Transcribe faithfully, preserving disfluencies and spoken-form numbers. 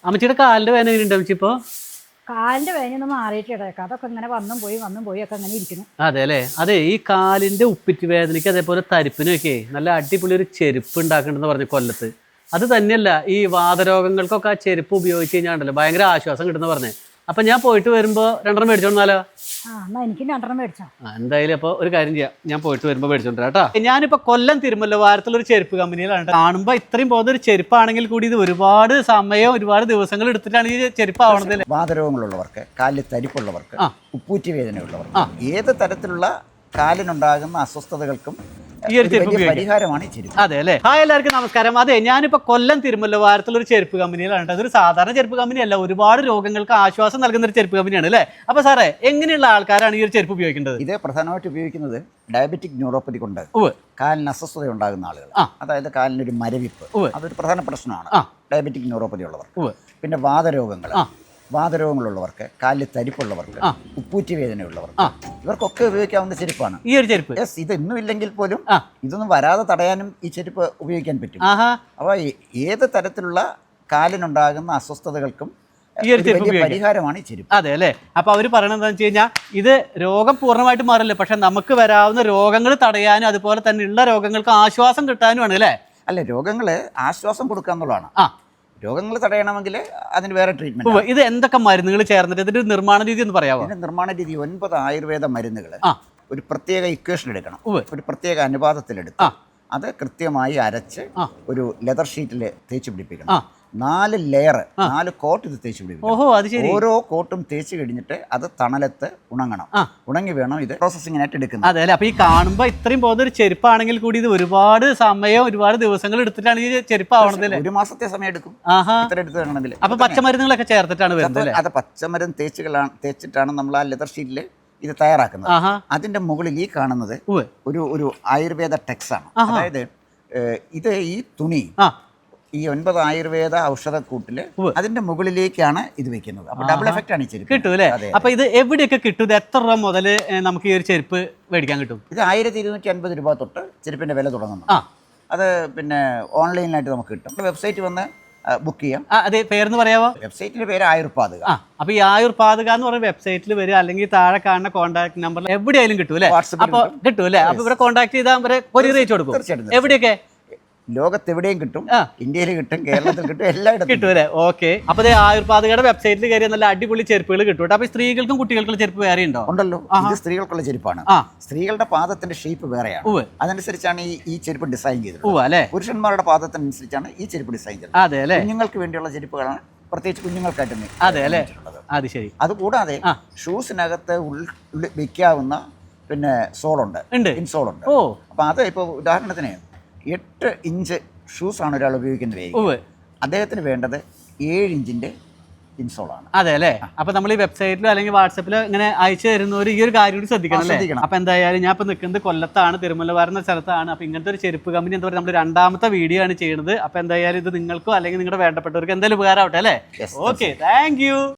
അമ്മച്ചിയുടെ കാലിന്റെ വേദന എങ്ങനെയുണ്ട് അമ്മച്ചി ഇപ്പോ? കാലിന്റെ വേദന മാറിയിട്ടിട അതൊക്കെ ഇങ്ങനെ വന്നും പോയി വന്നും പോയി ഒക്കെ അങ്ങനെ ഇരിക്കുന്നു. അതെ അല്ലേ. അതെ, ഈ കാലിന്റെ ഉപ്പിറ്റ് വേദനയ്ക്ക് അതേപോലെ തരിപ്പിനൊക്കെ നല്ല അടിപൊളി ഒരു ചെരുപ്പ് ഉണ്ടാക്കണ്ടെന്ന് പറഞ്ഞു കൊല്ലത്ത്. അത് തന്നെയല്ല, ഈ വാതരോഗങ്ങൾക്കൊക്കെ ആ ചെരുപ്പ് ഉപയോഗിച്ച് കഴിഞ്ഞാണ്ടല്ലോ ഭയങ്കര ആശ്വാസം കിട്ടുന്ന പറഞ്ഞേ. അപ്പൊ ഞാൻ പോയിട്ട് വരുമ്പോ രണ്ടെണ്ണം മേടിച്ചോണ്ടാലോ? ആ എന്നാ എനിക്ക് രണ്ടെണ്ണം മേടിച്ചോ. ആ എന്തായാലും അപ്പൊ ഒരു കാര്യം ചെയ്യാം, ഞാൻ പോയിട്ട് വരുമ്പോ മേടിച്ചോണ്ടാ കേട്ടോ. ഞാനിപ്പോ കൊല്ലം തിരുമല്ല വാരത്തുള്ള ഒരു ചെരുപ്പ് കമ്പനിയിലാണ്. കാണുമ്പോ ഇത്രയും പോകുന്ന ഒരു ചെരുപ്പാണെങ്കിൽ കൂടി ഇത് ഒരുപാട് സമയം ഒരുപാട് ദിവസങ്ങൾ എടുത്തിട്ടാണ് ഈ ചെരുപ്പ് ആവണത്. വാതരോഗങ്ങളുള്ളവർക്ക്, കാലിൽ തരിപ്പുള്ളവർക്ക്, ഉപ്പൂറ്റി വേദനയുള്ളവർക്ക്, ഏത് തരത്തിലുള്ള കാലിനുണ്ടാകുന്ന അസ്വസ്ഥതകൾക്കും ഈ ഒരു ചെരുപ്പ് പരിഹാരമാണ് ഈ ചെരുപ്പ്. അതെ അല്ലേ. ഹായ് എല്ലാവർക്കും നമസ്കാരം. അതെ, ഞാനിപ്പോ കൊല്ലം തിരുമല്ല വാരത്തുള്ള ഒരു ചെരുപ്പ് കമ്പനിയിലാണ്. അതൊരു സാധാരണ ചെരുപ്പ് കമ്പനിയല്ല, ഒരുപാട് രോഗങ്ങൾക്ക് ആശ്വാസം നൽകുന്ന ഒരു ചെരുപ്പ് കമ്പനിയാണ് അല്ലേ. അപ്പൊ സാറേ, എങ്ങനെയുള്ള ആൾക്കാരാണ് ഈ ഒരു ചെരുപ്പ് ഉപയോഗിക്കേണ്ടത്? ഇത് പ്രധാനമായിട്ട് ഉപയോഗിക്കുന്നത് ഡയബറ്റിക് ന്യൂറോപ്പതി കൊണ്ട് കാലിന് അസ്വസ്ഥത ഉണ്ടാകുന്ന ആളുകൾ, അതായത് കാലിനൊരു മരവിപ്പ്, അതൊരു പ്രധാന പ്രശ്നമാണ് ഡയബറ്റിക് ന്യൂറോപ്പതി ഉള്ളവർക്ക്. പിന്നെ വാതരോഗങ്ങൾ വാതരോഗങ്ങളുള്ളവർക്ക്, കാലിൽ തരിപ്പുള്ളവർക്ക്, ഉപ്പൂറ്റി വേദനയുള്ളവർക്ക്, ഇവർക്കൊക്കെ ഉപയോഗിക്കാവുന്ന ചെരുപ്പാണ് ഈ ഒരു ചെരുപ്പ്. യെസ്, ഇതൊന്നും ഇല്ലെങ്കിൽ പോലും ഇതൊന്നും വരാതെ തടയാനും ഈ ചെരുപ്പ് ഉപയോഗിക്കാൻ പറ്റും. അപ്പോൾ ഏത് തരത്തിലുള്ള കാലിനുണ്ടാകുന്ന അസ്വസ്ഥതകൾക്കും ഈ ഒരു ചെരുപ്പ് പരിഹാരമാണ് ഈ ചെരുപ്പ്. അതെ അല്ലേ. അപ്പൊ അവര് പറയണത് എന്താണെന്ന് വെച്ച് കഴിഞ്ഞാൽ ഇത് രോഗം പൂർണ്ണമായിട്ട് മാറില്ല, പക്ഷെ നമുക്ക് വരാവുന്ന രോഗങ്ങൾ തടയാനും അതുപോലെ തന്നെ ഉള്ള രോഗങ്ങൾക്ക് ആശ്വാസം കിട്ടാനുമാണ് അല്ലേ. അല്ല, രോഗങ്ങള് ആശ്വാസം കൊടുക്കുക എന്നുള്ളതാണ്. ആ രോഗങ്ങൾ തടയണമെങ്കിൽ അതിന് വേറെ ട്രീറ്റ്മെന്റ്. ഇത് എന്തൊക്കെ മരുന്നുകൾ ചേർന്നിട്ട് ഇതിന്റെ നിർമ്മാണ രീതി എന്ന് പറയാമോ? ഇതിന്റെ നിർമ്മാണ രീതി ഒൻപത് ആയുർവേദ മരുന്നുകൾ ഒരു പ്രത്യേക ഇക്വേഷൻ എടുക്കണം, ഒരു പ്രത്യേക അനുപാതത്തിലെടുത്ത് അത് കൃത്യമായി അരച്ച് ഒരു ലെതർ ഷീറ്റിൽ തേച്ച് പിടിപ്പിക്കണം. നാല് ലെയർ നാല് കോട്ട് ഇത് തേച്ച് പിടിപ്പിക്കണം. ഓരോ കോട്ടും തേച്ച് കഴിഞ്ഞിട്ട് അത് തണലത്ത് ഉണങ്ങണം. ഉണങ്ങി വേണം ഇത് പ്രോസസ്സിങ്ങിനായിട്ട് എടുക്കുന്നത്. അതെ അല്ലേ. അപ്പൊ ഈ കാണുമ്പോ ഇത്രയും പോകുന്ന ഒരു ചെരുപ്പാണെങ്കിൽ കൂടി ഇത് ഒരുപാട് സമയം ഒരുപാട് ദിവസങ്ങൾ എടുത്തിട്ടാണ് ഈ ചെരുപ്പ് ആവണത്. ഒരു മാസത്തെ സമയം എടുക്കും ഇത്ര എടുത്ത് വേണമെങ്കിൽ. അപ്പൊ പച്ചമരുന്നുകളൊക്കെ ചേർത്തിട്ടാണ് വരുന്നത്. അത് പച്ചമരുന്ന് തേച്ചുകളാണ് തേച്ചിട്ടാണ് നമ്മൾ ആ ലെതർ ഷീറ്റില് ഇത് തയ്യാറാക്കുന്നത്. അതിന്റെ മുകളിൽ ഈ കാണുന്നത് ഒരു ഒരു ആയുർവേദ ടെക്സ് ആണ്. അതായത് ഇത് ഈ തുണി ഈ ഒൻപത് ആയുർവേദ ഔഷധക്കൂട്ടില് അതിന്റെ മുകളിലേക്കാണ് ഇത് വെക്കുന്നത്. അപ്പൊ ഡബിൾ എഫക്റ്റ് ആണ് ഈ ചെരുപ്പ്. കിട്ടും അല്ലേ. അപ്പൊ ഇത് എവിടെയൊക്കെ കിട്ടും? ഇത് എത്ര രൂപ മുതൽ നമുക്ക് ഈ ഒരു ചെരുപ്പ് മേടിക്കാൻ കിട്ടും? ഇത് ആയിരത്തി ഇരുന്നൂറ്റി അൻപത് രൂപ തൊട്ട് ചെരുപ്പിന്റെ വില തുടങ്ങുന്നു. അത് പിന്നെ ഓൺലൈനിലായിട്ട് നമുക്ക് കിട്ടും. വെബ്സൈറ്റ് വന്ന് ബുക്ക് ചെയ്യാം. അതെ, പേരെന്ന് പറയാമോ? വെബ്സൈറ്റിന്റെ പേര് ആയുർപാതുക. അപ്പൊ ഈ ആയുർപാതുക എന്ന് പറയുന്ന വെബ്സൈറ്റിൽ വരിക, അല്ലെങ്കിൽ താഴെ കാണുന്ന കോൺടാക്ട് നമ്പറിൽ എവിടെയായാലും കിട്ടും അല്ലേ. അപ്പൊ കിട്ടും അല്ലേ. അപ്പൊ ഇവിടെ കോൺടാക്ട് ചെയ്താൽ കൊറിയർ അയച്ചു കൊടുക്കും. തീർച്ചയായിട്ടും. എവിടെയൊക്കെ? ലോകത്തെവിടെയും കിട്ടും, ഇന്ത്യയിൽ കിട്ടും, കേരളത്തിൽ കിട്ടും, എല്ലായിടത്തും കിട്ടും അല്ലേ. ഓക്കെ. അപ്പൊ ആയുർപാതകയുടെ വെബ്സൈറ്റിൽ കയറിയ നല്ല അടിപൊളി ചെരുപ്പുകൾ കിട്ടും. അപ്പൊ സ്ത്രീകൾക്കും കുട്ടികൾക്കുള്ള ചെരുപ്പ് വേറെ ഉണ്ടോ? ഉണ്ടല്ലോ. ഇത് സ്ത്രീകൾക്കുള്ള ചെരുപ്പാണ്. സ്ത്രീകളുടെ പാദത്തിന്റെ ഷേപ്പ് വേറെയാണ്, അതനുസരിച്ചാണ് ഈ ഈ ചെരുപ്പ് ഡിസൈൻ ചെയ്തത്. പുരുഷന്മാരുടെ പാദത്തിനനുസരിച്ചാണ് ഈ ചെരുപ്പ് ഡിസൈൻ ചെയ്തത്. അതെ അല്ലേ. കുഞ്ഞുങ്ങൾക്ക് വേണ്ടിയുള്ള ചെരുപ്പുകളാണ്, പ്രത്യേകിച്ച് കുഞ്ഞുങ്ങൾക്കായിട്ട്. അതെ അല്ലേ. അത് ശരി. അതുകൂടാതെ ഷൂസിനകത്ത് ഉള്ളിൽ വെക്കാവുന്ന പിന്നെ സോളുണ്ട്, ഇൻസോളുണ്ട്. അപ്പൊ അത് ഇപ്പൊ ഉദാഹരണത്തിന് എട്ട് ഇഞ്ച് ഷൂസാണ് ഒരാൾ ഉപയോഗിക്കുന്നത്, അദ്ദേഹത്തിന് വേണ്ടത് ഏഴ് ഇഞ്ചിന്റെ ഇൻസോളാണ്. അതെ അല്ലേ. അപ്പൊ നമ്മൾ ഈ വെബ്സൈറ്റിലോ അല്ലെങ്കിൽ വാട്സപ്പിലോ ഇങ്ങനെ അയച്ചു തരുന്നവർ ഈ ഒരു കാര്യം കൂടി ശ്രദ്ധിക്കണം. അപ്പൊ എന്തായാലും ഞാൻ ഇപ്പൊ നിൽക്കുന്നത് കൊല്ലത്താണ്, തിരുമല വരുന്ന സ്ഥലത്താണ്. അപ്പൊ ഇങ്ങനത്തെ ഒരു ചെരുപ്പ് കമ്പനി എന്താ പറയുക, നമ്മൾ രണ്ടാമത്തെ വീഡിയോ ആണ് ചെയ്യുന്നത്. അപ്പൊ എന്തായാലും ഇത് നിങ്ങൾക്കോ അല്ലെങ്കിൽ നിങ്ങളുടെ വേണ്ടപ്പെട്ടവർക്ക് എന്തായാലും ഉപകാരമാവട്ടെ അല്ലേ. Okay, thank U.